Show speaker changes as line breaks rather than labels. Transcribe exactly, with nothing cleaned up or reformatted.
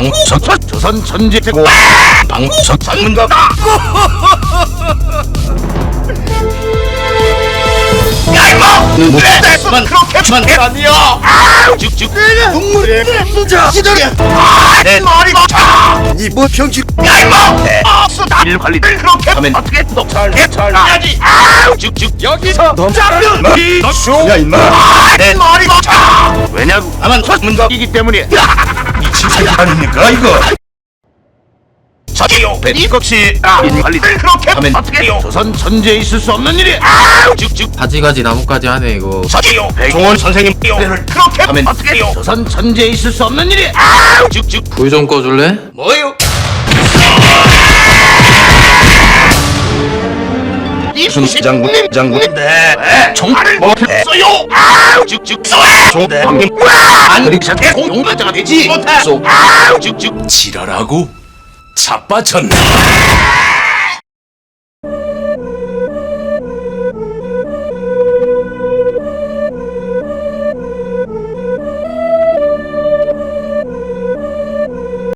방석선 조선 천재고 방석 전문가다. 야 이모! 눈물에만 그렇게만 해 아니야. 아 쭉쭉 눈물에 자 시절이야. 아내 머리 맞춰 이뭐 병신. 야 이모! 악수 일 관리를 그렇게 하면 어떻게 또잘잘 해야지. 아 쭉쭉 여기서 너 자르는 머리 너쇼야 임마. 내 머리 맞춰. 왜냐고 나만 전문가이기 때문이야. 미친 새끼 아닙니까 이거. 저기요 이것이 인 관리를 그렇게 하면 어떻게 해요. 조선 천재에 있을 수 없는 일이. 아 쭉쭉
가지가지 나뭇가지 하네 이거.
저기요 백종원 선생님 를 그렇게 하면 어떻게 해요. 조선 천재에 있을 수 없는 일이. 아 쭉쭉
불 좀 꺼줄래?
뭐요? 이순 장군님 장군님 네 총알을 못했어요. 아 쭉쭉 쏘아 총대 방금 안 그리셨게 공동가자가 되지 못해 쏘아 쭉쭉
지랄하고 자빠졌네.